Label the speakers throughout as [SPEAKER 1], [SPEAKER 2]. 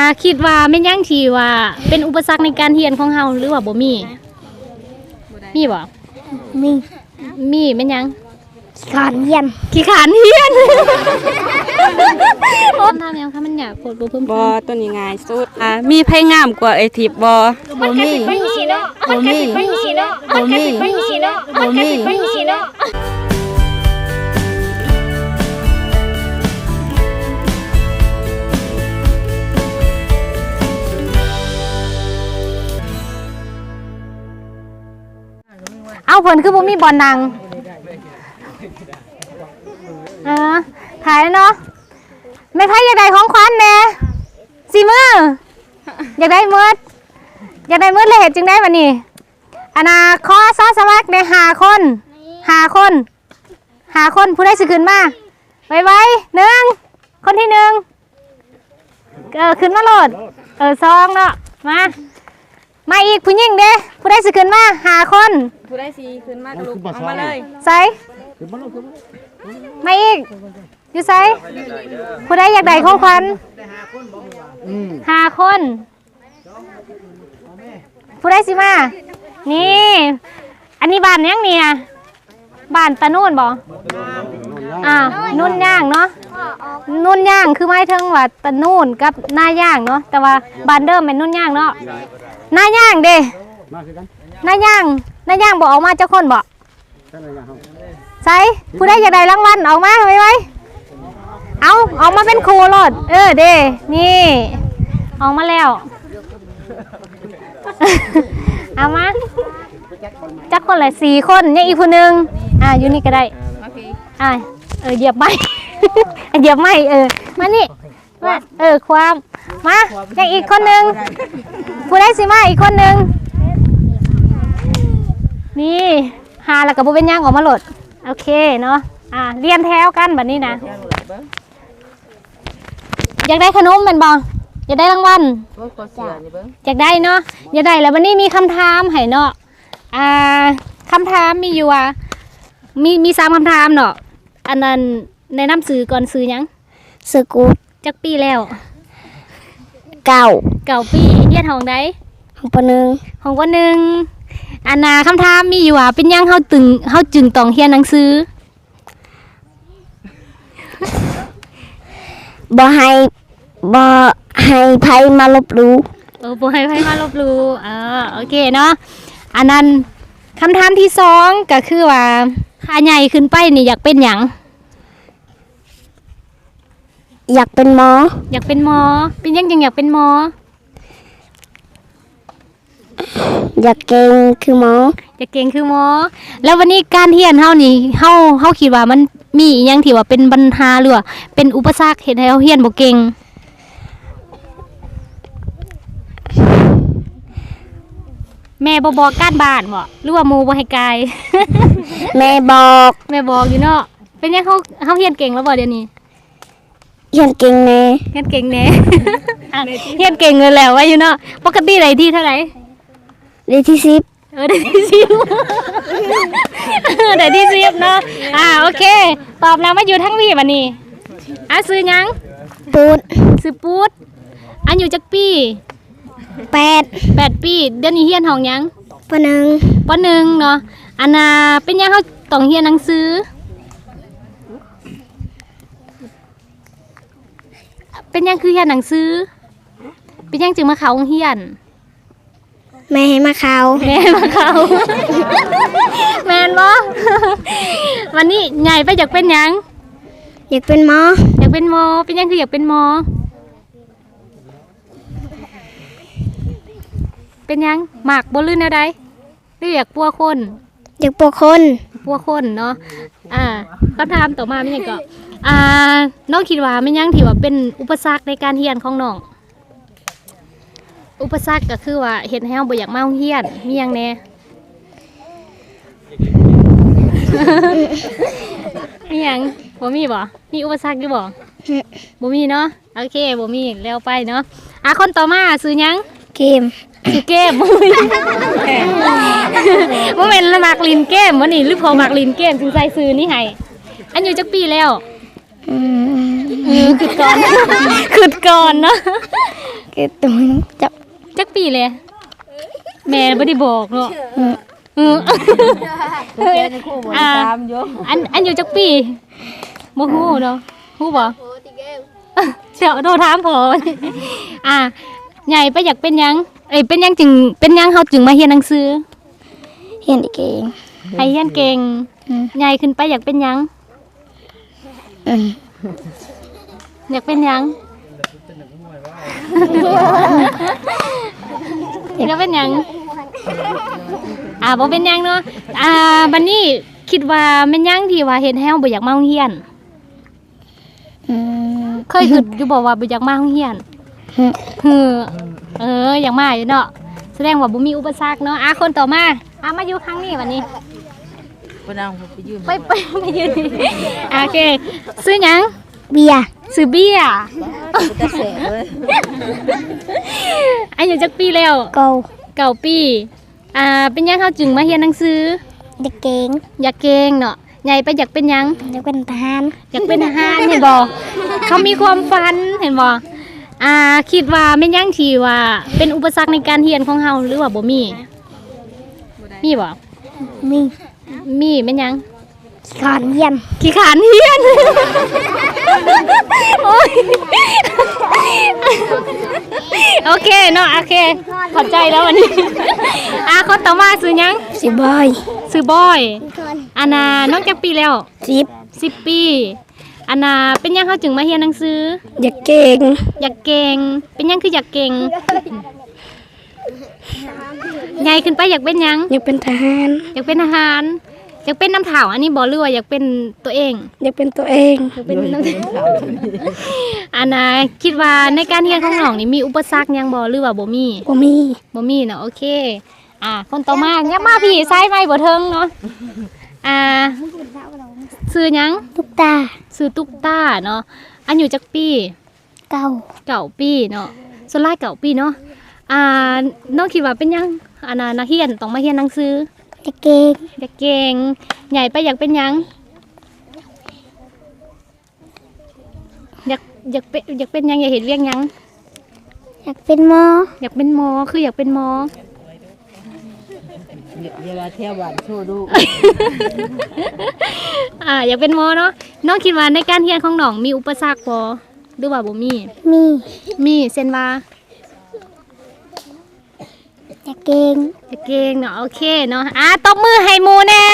[SPEAKER 1] คิดว่าแม่นยังที่ว่าเป็นอุปสรรคในการเรียนของเฮาหรือว่าบ่มีบ่ มีแม่นยัง
[SPEAKER 2] ขี้ขานเฮียน
[SPEAKER 1] ขี้ขานเรียนโอ้ทำยังคะมันอยากโพดบ่เพิ่ม
[SPEAKER 3] บ่ตัวนี้ง่ายสุดมีไผงามกว่าไอ้ทิพย์บ่มี
[SPEAKER 1] เอาผลคือบ่มีบอลนังถ่ายแล้วเนาะไม่ไพ่อยากได้ของขวัญแน่สิมืออยากได้มืดเลยเหตุจึงได้บัดนี้ขอซอสมัครใน5 คนผู้ได้สิขึ้นมาไว1คนที่1ขึ้นมาโหลด2เนาะมาอีกผู้หญิงเด้ผู้ได้สิขึ้นมา5 คน
[SPEAKER 3] ผู้ได้สิขึ้นมาลูกเอามาเลย
[SPEAKER 1] ใส่มาอีกอยู่ใส่ผู้ได้อยากได้ของขวัญ5 คนผู้ได้สิมานี่อันนี้บ้านยังเนี่ยบ้านตะนู่นบ่นุ่นย่างเนาะนุ่นย่างคือหมายถึงว่าตะนู่นกับหน้าย่างเนาะแต่ว่าบ้านเดิมเป็นนุ่นย่างเนาะหน้าย่างเด้หน้าย่างบอกออกมาเจ้าคนบอกใส่ผู้ได้อยากได้รางวัลออกมาไว้เอาออกมาเป็นครูรถเด้นี่ออกมาแล้วเอามาจักคนละ4 คนเนี่ยอีกคนนึงอยู่นี่ก็ได้เหยียบไม้เหยียบไม้มานี่ความมาอย่างอีกคนนึงผู้ได้สิมาอีกคนนึงนี่แล้วก็บ่เป็นย่างออกมาโหลดโอเคเนาะเรียนแถวกันแบบนี้นะอยากได้ขนมเป็นบ่อยากได้รางวัลอยากได้เนาะอยากได้แล้ววันนี้มีคำถามให้เนาะคำถามมีอยู่มี3 คำถามเนาะอันนั้นแนะนำสื่อก่อนสื่อยัง
[SPEAKER 2] สื่อกูด
[SPEAKER 1] จักปีแล้ว
[SPEAKER 2] เก่า
[SPEAKER 1] ปีเรียนห้องใด
[SPEAKER 2] ห้องป.1
[SPEAKER 1] คำถามมีอยู่เป็นยังเฮาจึงต้องเรียนหนังสือ
[SPEAKER 2] บ่ให้ไผมาลบหลู่
[SPEAKER 1] บ่ให้ไผมาลบหลู่โอเคเนาะอันนั้นคำถามที่2ก็คือว่าถ้าใหญ่ขึ้นไปนี่อยากเป็นหยัง
[SPEAKER 2] อยากเป็นหมอ
[SPEAKER 1] เป็นยังจึงอยากเป็นหมอ
[SPEAKER 2] อยากเก่งคือหมอ
[SPEAKER 1] แล้ววันนี้การเรียนเฮานี่เฮาคิดว่ามันมีอีหยังที่ว่าเป็นปัญหาหรือว่าเป็นอุปสรรคเฮ็ดให้เฮาเรียนบ่เก่งแม่บ่บอกการบ้านบ่หรือว่าหมู่บ่ให้กาย
[SPEAKER 2] แม่บอก
[SPEAKER 1] อยู่เนาะเป็นยังเฮาเรียนเก่งแล้วบ่เดี๋ยวนี้
[SPEAKER 2] เรียนเก่งแน่
[SPEAKER 1] เรียนเก่งเลยแล้วว่าอยู่เนาะปกติได้ที่เท่าไหร่
[SPEAKER 2] ได้ที่10
[SPEAKER 1] ได้ที่10ได้ที่10เนาะโอเคตอบแล้วมาอยู่ทั้งวี่บัดนี้ซื้อหยังซื้อปูดอายุจักปี8 ปีเดี๋ยวนี้เรียนห้องหยัง
[SPEAKER 2] ป.1
[SPEAKER 1] เนาะเป็นยังเฮาต้องเรียนหนังสือเป็นยังคือเรียนหนังสือเป็นยังจึงมาเข้าโรงเรียน
[SPEAKER 2] แม่ให้มาเข้า
[SPEAKER 1] แม่นบ่วันนี้ใหญ่ไปอยากเป็นหยัง
[SPEAKER 2] อยากเป็นหมอ
[SPEAKER 1] เป็นยังคืออยากเป็นหมอเป็นยังหมากบ่ลื่นแนวใดหรืออยากปัวคนเนาะคำถามต่อมาเป็นหยังก็น้องคิดว่าเป็นยังที่ว่าเป็นอุปสรรคในการเรียนของน้องอุปสรรคก็คือว่าเฮ็ดให้เฮาบ่อยากมาโรงเรียนมีหยังแน่ มีหยังบ่มีบ่มีอุปสรรคอยู่บ่บ่มีเนาะโอเคบ่มีแล้วไปเนาะคนต่อมาซื้อหยัง
[SPEAKER 2] เกม
[SPEAKER 1] บ่แม่นละมักลินเกมบ่นี่หรือพอมักลินเกมจึงใส่ซื้อนี่ให้อันอยู่จักปีแล้วคือก่อน คือก่อนเนาะ
[SPEAKER 2] คือตัวจับ
[SPEAKER 1] จักปีเลย แม่บ่ได้บอกเนาะอ่าอันอยู่จักปีบ่ฮู้เนาะฮู้บ่เดี๋ยวโทรถามพอใหญ่ไปอยากเป็นหยังเป็นหยังจึงเป็นหยังเฮาจึงมาเรียนหนังสือ
[SPEAKER 2] เห็นอีกเอง
[SPEAKER 1] ให้เรียนเก่งใหญ่ขึ้นไปอยากเป็นหยังอยากเป็นหยังอยากเป็นหยังบ่เป็นหยังเนาะบัดนี้คิดว่าแม่นหยังที่ว่าเฮ็ดให้เฮาบ่อยากมาโรงเรียนเคยคิดอยู่บ่ว่าบ่อยากมาโรงเรียนอยากมาอยู่เนาะแสดงว่าบ่มีอุปสรรคเนาะคนต่อมามาอยู่ครั้งนี้วันนี้ไปยืนไปยืนโอเคซื้อหยัง
[SPEAKER 2] เบียร์
[SPEAKER 1] ซื้อเบียร์อายุจักปีแล้ว
[SPEAKER 2] เก่า
[SPEAKER 1] ปีเป็นหยังเขาจึงมาเรียนหนังสือ
[SPEAKER 2] เด็กเก่ง
[SPEAKER 1] อยากเก่งเนาะใหญ่ไปอยากเป็นหยัง
[SPEAKER 2] เด็กเป็นทหาร
[SPEAKER 1] อยากเป็นทหารเห็นบ่เขามีความฝันเห็นบ่คิดว่าแม่นหยังที่ว่าเป็นอุปสรรคในการเรียนของเฮาหรือว่าบ่มีบ่ มีแม่นหยัง
[SPEAKER 2] ขอนเยี่ยม
[SPEAKER 1] ขี้ขานเรียนโอ้ยโอเคเนาะโอเคเข้าใจแล้ววันนี้คนต่อมาซื้อหยัง
[SPEAKER 2] สิบอย
[SPEAKER 1] ซื้อบอยน้องจักปีแล้ว 10 ปีเป็นหยังเขาจึงมาเรียนหนังสือ
[SPEAKER 2] อยากเก่ง
[SPEAKER 1] อยากเก่งเป็นหยังคืออยากเก่งใหญ่ขึ้นไปอยากเป็นหยัง
[SPEAKER 2] อยากเป็นทหาร
[SPEAKER 1] อยากเป็นทหารอยากเป็นน้ำเถาอันนี้บ่หรือว่าอยากเป็นตัวเอง
[SPEAKER 2] อยากเป็นตัวเอง
[SPEAKER 1] อยากเป็นน้ำเถาคิดว่าในการเรียนของน้องนี่มีอุปสรรคหยังบ่หรือว่าบ่มี
[SPEAKER 2] บ่มี
[SPEAKER 1] เนาะโอเคคนต่อมายับมาพี่ซ้ายไม้บ่เทิงเนาะซื้อหยัง
[SPEAKER 2] ตุ๊กตา
[SPEAKER 1] ซื้อตุ๊กตาเนาะอันอยู่จักปี
[SPEAKER 2] เก่า
[SPEAKER 1] ปีเนาะส่วนหลาย9 ปีเนาะน้องคิดว่าเป็นหยังนักเรียนต้องมาเรียนหนังสือ
[SPEAKER 2] อยากเก่ง
[SPEAKER 1] อยากเก่งใหญ่ไปอยากเป็นหยังอยากเป็นหยังอยากเห็นเรียกหยัง
[SPEAKER 2] อยากเป็นหมอ
[SPEAKER 1] อยากเป็นหมอคืออยากเป็นหมอ
[SPEAKER 4] เวลาเที่ยวบ้านโชว์ดู
[SPEAKER 1] อยากเป็นหมอเนาะน้องคิดว่าในการเรียนของน้องมีอุปสรรคบ่หรือว่าบ่มีเช่นว่า
[SPEAKER 2] อยากเก่ง
[SPEAKER 1] อยากเก่งเนาะโอเคเนาะตบมือให้หมู่แน่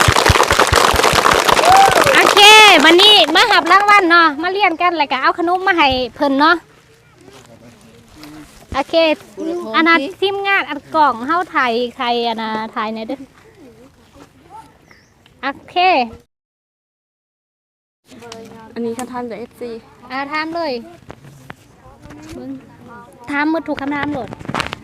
[SPEAKER 1] โอเควันนี้มาหับรางวัลเนาะมาเรียนกันแล้วก็เอาขนมมาให้เพิ่นเนาะโอเคทีมงานกล่องเฮาถ่ายใครถ่ายหน่อยเด้อโอเค
[SPEAKER 3] อันนี้คำถามจาก FC
[SPEAKER 1] ถามเลยถามหมดถูกคำถามหมด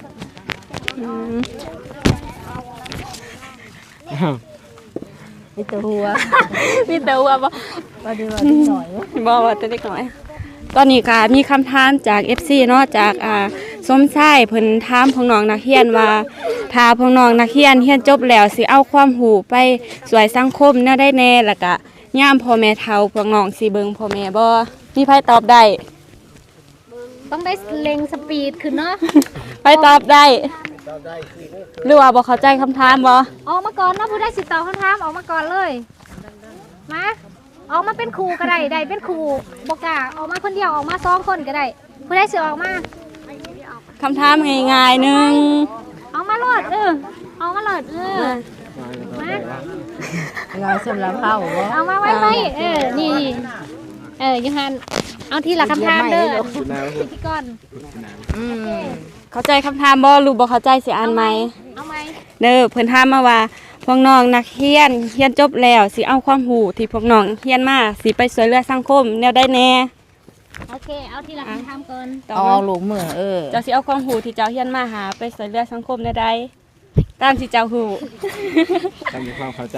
[SPEAKER 4] มีตัวหัว
[SPEAKER 3] มีแต่ว่าบ่
[SPEAKER 4] ว่าดีว่านิดหน่อย
[SPEAKER 3] บ่ว่าแต่เล็กน้อยตอนนี้ก็มีคำถามจาก FC เนาะจากสมชายเพิ่นถามพวกน้องนักเรียนว่าถ้าพวกน้องนักเรียนเรียนจบแล้วสิเอาความรู้ไปช่วยสังคมแนวได้แน่แล้วก็ยามพ่อแม่เฒ่าพวกน้องสิเบิ่งพ่อแม่บ่มีไผตอบได้
[SPEAKER 1] ต้องได้เล็งสปีดขึ้นเนาะ
[SPEAKER 3] ไผตอบได้หรือว่าบ่เข้าใจคำถามบ่
[SPEAKER 1] ออกมาก่อนเนาะผู้ได้สิตอบคำถามออกมาก่อนเลยมาออกมาเป็นครูก็ได้ได้เป็นครูบอกกล้าออกมาคนเดียวออกมา2 คนก็ได้ผู้ได้สิออกมา
[SPEAKER 3] คำถามง่ายๆหนึง
[SPEAKER 1] ออกมาโลดออกมาโลดมา
[SPEAKER 4] งานสำหรับเข้าบ่
[SPEAKER 1] เอามาไว้นี่ยูฮันเอาทีละคำถามเด้อพิธีกร
[SPEAKER 3] เข้าใจคำถามบ่หรือบ่เข้าใจสิอ่านใหม่
[SPEAKER 1] เอาไหม
[SPEAKER 3] เด้อเพิ่นถามมาว่าพวกน้องนักเรียนจบแล้วสิเอาความรู้ที่พวกน้องเรียนมาสิไปช่วยเหลือสังคมแนวใดแน่
[SPEAKER 1] โอเคเอาทีละคำถามก่อน
[SPEAKER 3] ตอ
[SPEAKER 4] เอา
[SPEAKER 3] บมา
[SPEAKER 4] ลูกมือ
[SPEAKER 3] เจ้าสิเอาความรู้ที่เจ้าเรียนมาหาไปช่วยเหลือสังคมแนวใดตามที่เจ้ารู้
[SPEAKER 5] ตามความเข้าใจ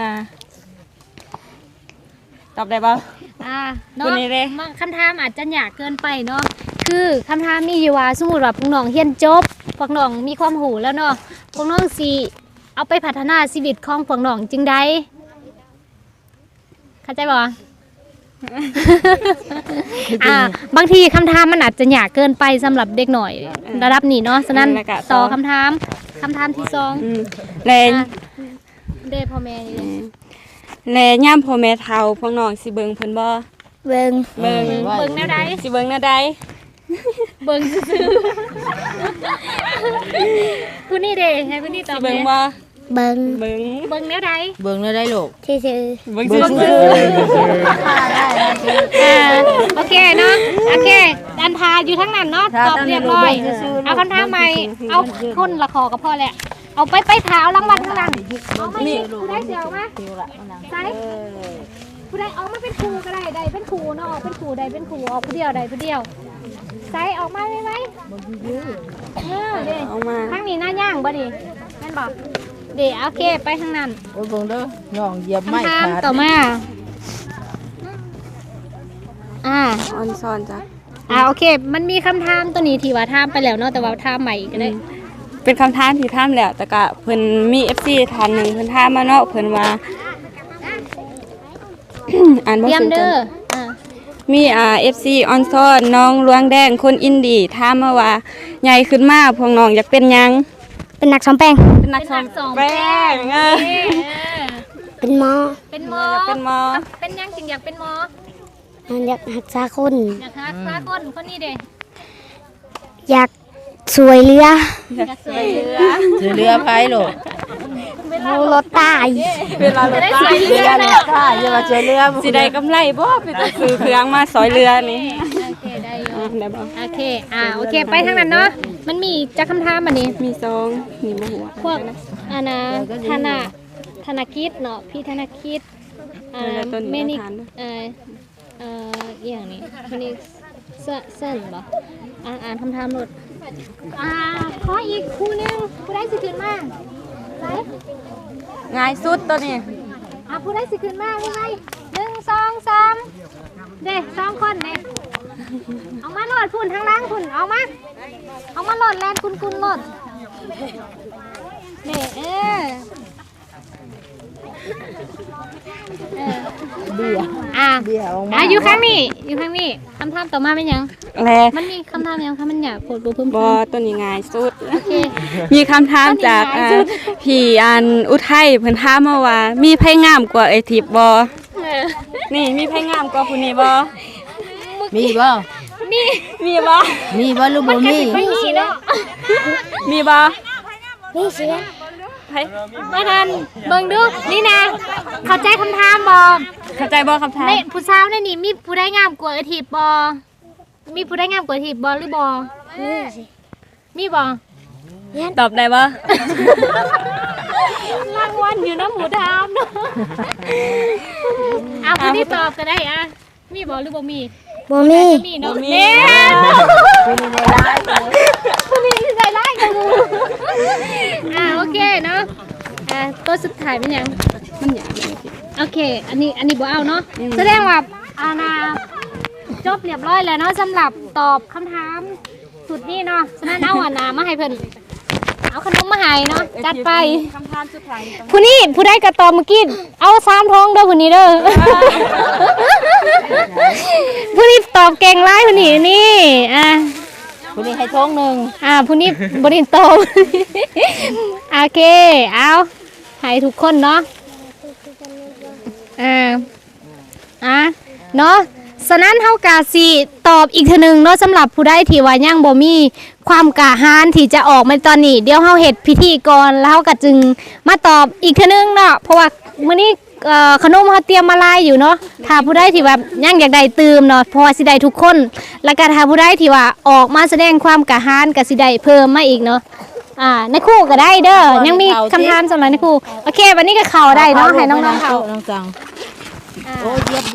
[SPEAKER 3] ตอบได้บ่
[SPEAKER 1] เนาะ
[SPEAKER 3] คนนี้เลย
[SPEAKER 1] คำถามอาจจะยากเกินไปเนาะคือคำถามมีอยู่ว่าสมมุติว่าพวกน้องเรียนจบพวกน้องมีความรู้แล้วเนาะพวกน้องสิเอาไปพัฒนาชีวิตของพวกน้องจึงใดเข้าใจบ่บางทีคำถามมันอาจจะยากเกินไปสำหรับเด็กหน่อยระดับนี้เนาะฉะนั้นต่อคำถามที่สอง
[SPEAKER 3] แล
[SPEAKER 1] เด้พ่อแม่นี่
[SPEAKER 3] แลย่ามพ่อแม่เฒ่าพวกน้องสิเบิ่งเพิ่นบ่
[SPEAKER 2] เบิ่ง
[SPEAKER 3] เบิ่ง
[SPEAKER 1] เบิ่งแนวใด
[SPEAKER 3] สิเบิ่งแนวใด
[SPEAKER 1] เบิ่งซื่อๆผู้นี่เด้ให้ผู้นี่ตอ
[SPEAKER 3] สิ
[SPEAKER 1] บ
[SPEAKER 3] เบิ่ง
[SPEAKER 1] แม่
[SPEAKER 3] บ่
[SPEAKER 2] เบิ่ง
[SPEAKER 3] เบิ่ง
[SPEAKER 1] เบิ่งแนวใด
[SPEAKER 4] เบิ่งแล้วได้ลูก
[SPEAKER 2] ที่ซื้อ
[SPEAKER 3] เบิ่งซื่อ
[SPEAKER 1] โอเคเนาะโอเคอันทาอยู่ทั้งนั้นเนาะตอบเรียบร้อยเอาคำถามใหม่เอาคนละคอก็พอแหละเอาไปเท้ารางวัลข้างหลังเอามานี่ผู้ได้เสียวมาใส่ผู้ได้เอามาเป็นครูก็ได้ใดเป็นครูเนาะออกเป็นครูใดเป็นครูออกผู้เดียวใดผู้เดียวใส่ออกมาไหมเด้
[SPEAKER 3] เอามา
[SPEAKER 1] ข้างนี้หน้าย่างบ่ดิแม่นบอกเดี๋ยวโอเคไปข้างนั้น
[SPEAKER 4] โอ้ยเบิ่งเด้อย่องเหยียบไม้
[SPEAKER 1] คำถาม
[SPEAKER 4] ขาด
[SPEAKER 1] ต่อมา
[SPEAKER 3] ออนซ่อนจ้ะ
[SPEAKER 1] โอเค มันมีคำถามตัวนี้ที่ว่าถามไปแล้วเนาะแต่ว่าถามใหม่อีกก็ได้
[SPEAKER 3] เป็นคำถามที่ถามแล้วแต่ก็เพิ่นมี FC ท่านหนึงเพิ่นถามมาเนาะเพิ่นว่า อ่านบ่
[SPEAKER 1] เตรียม
[SPEAKER 3] ถูก
[SPEAKER 1] เด้
[SPEAKER 3] จ้ะ
[SPEAKER 1] อ
[SPEAKER 3] มีFC ออนซ่อนน้องลวงแดงคนอินดีถามมาว่าใหญ่ขึ้นมาพวกน้องอยากเป็นหยัง
[SPEAKER 2] เป็นนักซ้อมแป้ง
[SPEAKER 3] เป็นนักสองแป้ง
[SPEAKER 2] เป็นหมอ
[SPEAKER 1] เป็นหมอ
[SPEAKER 3] อยากเป็นหมอ
[SPEAKER 1] เป็นยังจริงอยากเป็นหมอ
[SPEAKER 2] อยากรักษาคน
[SPEAKER 1] อยากหาพาคนนี้เด้
[SPEAKER 2] อยากสวยเรือ
[SPEAKER 1] อยากสวยเรือ
[SPEAKER 4] ถือเรือไผลูก
[SPEAKER 2] มูรถตาย
[SPEAKER 3] เวลารถ
[SPEAKER 1] ได้
[SPEAKER 3] ตา
[SPEAKER 1] สวย
[SPEAKER 4] เรื
[SPEAKER 1] เรือ อ
[SPEAKER 4] เนี่
[SPEAKER 1] เนาะ
[SPEAKER 4] ยค่ะอย่ามาเจอเรือ
[SPEAKER 3] สิได้กำไรบ่ไปตัดซื้อเครื่องมาสอยเรือนี่
[SPEAKER 1] โอเคได้อยู่
[SPEAKER 3] ได้บ่
[SPEAKER 1] โอเคโอเคไปทางนั้นเนาะมันมีจะคำถามอันนี้
[SPEAKER 3] มีซองนี่บ่หัว
[SPEAKER 1] พวกธนาคิดเนาะพี่ธนาคิดเมนิกอย่างนี้คนนี้เส้นบ่อ่านคำถามหมดขออีกคู่นึงผู้ได้สิขึ้นมาไหน
[SPEAKER 3] ง่ายสุดตัวนี้
[SPEAKER 1] ผู้ได้สิขึ้นมาใช่ไหม1 2 3เด้2คนเด้เอามาโหลดพุ่นทางล่างพุ่นเอามาโหลดแลนคุณโหลดเด้
[SPEAKER 4] เบียร์ออกมา
[SPEAKER 1] อยู่ข้างนี้คำถามต่อมาเป็นยัง
[SPEAKER 3] แล
[SPEAKER 1] มันมีคำถามยังคะมันอยากโพดดูเพิ่ม
[SPEAKER 3] บ่ตัวนี้ง่ายสุด
[SPEAKER 1] โอเค
[SPEAKER 3] มีคำถามจากพี่อันอุทัยเพิ่นถามมาว่า มีไผงามกว่าไอ้ทิพย์บ่นี่มีไผงามกว่าผู้นี้บ่
[SPEAKER 4] มีบ่
[SPEAKER 3] มีบ่
[SPEAKER 4] มีบ่หรือบ่มี
[SPEAKER 1] ไม่มีเนาะ
[SPEAKER 3] มีบ่
[SPEAKER 2] นี่เสีย
[SPEAKER 3] ไผ
[SPEAKER 1] มาทันเบิ่งดูนี่นะเข้าใจคำถามบ่
[SPEAKER 3] เข้าใจบ่คำถาม
[SPEAKER 1] ในผู้สาวในนี่มีผู้ได้งามกว่าไอ้ทิพย์บ่มีผู้ได้งามกว่าไอ้ทิพย์บ่หรือบ่
[SPEAKER 2] นี่สิ
[SPEAKER 1] มีบ่
[SPEAKER 3] ตอบได้บ่
[SPEAKER 1] รางวัลอยู่น้ำหมูดามเนาะผู้ที่ตอบก็ได้มีบ่หรือบ่มี
[SPEAKER 2] บ่มี
[SPEAKER 1] มีเนาะเนี่ยผู้นี้ที่ใจร้ายกับมูโอเคเนาะตัวสุดท้ายเป็นยัง
[SPEAKER 3] มันหยังเลย
[SPEAKER 1] โอเค อันนี้บ่เอาเนาะแสดงว่าจบเรียบร้อยแล้วเนาะสำหรับตอบคำถามสุดนี้เนาะฉะนั้นเอามาให้เพิ่นเอาขนมมาให้เนาะจัดไป
[SPEAKER 3] คำถามสุดท้าย
[SPEAKER 1] ผู้ได้กระตอบเมื่อกี้เอา3ท้องเด้อผู้นี้เด้อ ผู้นี้ตอบเก่งหลายผู้นี้นี่
[SPEAKER 4] คนนี้ให้ท้องหนึง
[SPEAKER 1] ผู้นี้บ่ได้ตอบ โอเคเอาให้ทุกคนเนาะเนาะฉะนั้นเฮากะสิตอบอีกเทื่อนึงเนาะสำหรับผู้ใดที่ว่ายังบ่มีความกล้าหาญที่จะออกมาตอนนี้เดี๋ยวเฮาเฮ็ดพิธีก่อนแล้วเฮาก็จึงมาตอบอีกเทื่อนึงเนาะเพราะว่ามื้อนี้ขนมเฮาเตรียมมาหลายอยู่เนาะถ้าผู้ใดที่ว่ายังอยากได้ตื่มเนาะเพราะว่าสิได้ทุกคนแล้วก็ถ้าผู้ใดที่ว่าออกมาแสดงความกล้าหาญก็สิได้เพิ่มมาอีกเนาะในครูก็ได้เด้อยังมีคำถามสำหรับในครูโอเควันนี้ก็เข้าได้เนาะให้น้องๆเข้า
[SPEAKER 4] น้องจังโอ้เย็บ